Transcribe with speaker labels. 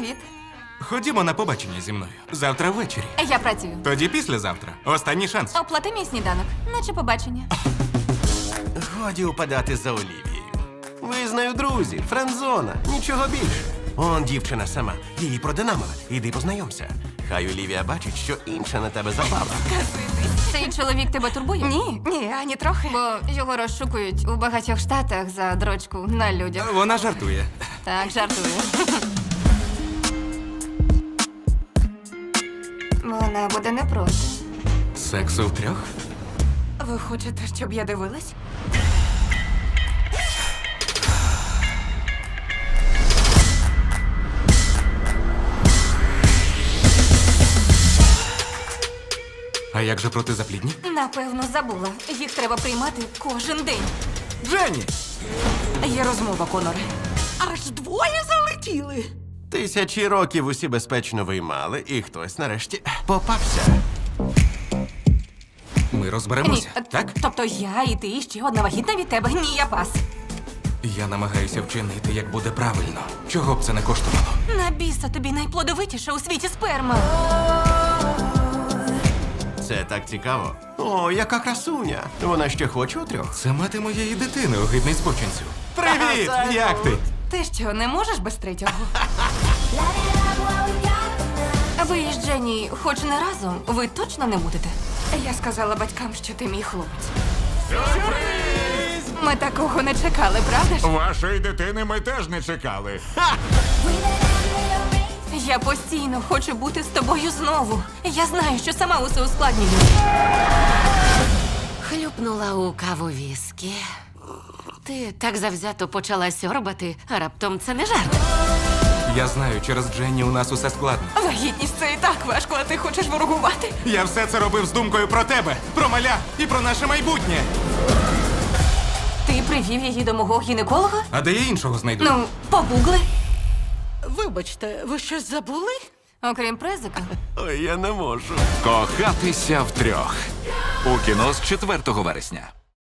Speaker 1: Привіт.
Speaker 2: Ходімо на побачення зі мною. Завтра ввечері.
Speaker 1: Я працюю.
Speaker 2: Тоді післязавтра. Останній шанс.
Speaker 1: Оплати мій сніданок, наче побачення.
Speaker 3: Годі упадати за Олівією. Ви з нею друзі, френдзона, нічого більше. Он дівчина сама, її продинамила. Іди познайомся. Хай Олівія бачить, що інша на тебе запала.
Speaker 1: Цей чоловік тебе турбує?
Speaker 4: Ні, ані трохи.
Speaker 1: Бо його розшукують у багатьох штатах за дрочку на людях.
Speaker 2: Вона жартує.
Speaker 1: Так, жартую. Вона буде не проти.
Speaker 2: Сексу втрьох?
Speaker 4: Ви хочете, щоб я дивилась?
Speaker 2: А як же протизаплідні?
Speaker 1: Напевно, забула. Їх треба приймати кожен день.
Speaker 2: Дженні!
Speaker 4: Є розмова, Коноре. Аж двоє залетіли.
Speaker 3: Тисячі років усі безпечно виймали, і хтось нарешті попався.
Speaker 2: Ми розберемося, так?
Speaker 1: Тобто я і ти, і ще одна вагітна від тебе. Ні, я пас.
Speaker 2: Я намагаюся вчинити, як буде правильно. Чого б це не коштувало?
Speaker 1: На біса тобі найплодовитіша у світі сперма.
Speaker 3: Це так цікаво. О, яка красуня. Вона ще хоче у трьох.
Speaker 2: Це мати моєї дитини, огидний збочинцю. Привіт! Як ти?
Speaker 1: Ти що, не можеш без третього? Ви із Дженні хоч не разом, ви точно не будете?
Speaker 4: Я сказала батькам, що ти мій хлопець. Ми такого не чекали, правда ж?
Speaker 5: Вашої дитини ми теж не чекали.
Speaker 1: Я постійно хочу бути з тобою знову. Я знаю, що сама усе ускладнюю.
Speaker 6: Хлюпнула у каву віскі. Ти так завзято почала сьорбати, а раптом це не жарт.
Speaker 2: Я знаю, через Дженні у нас усе складно.
Speaker 4: Вагітність це і так важко, а ти хочеш ворогувати?
Speaker 2: Я все це робив з думкою про тебе, про маля і про наше майбутнє.
Speaker 1: Ти привів її до мого гінеколога?
Speaker 2: А де я іншого знайду?
Speaker 1: Ну, погугли.
Speaker 4: Вибачте, ви щось забули?
Speaker 1: Окрім презика.
Speaker 3: Ой, я не можу.
Speaker 7: Кохатися втрьох. У кіно з 4 вересня.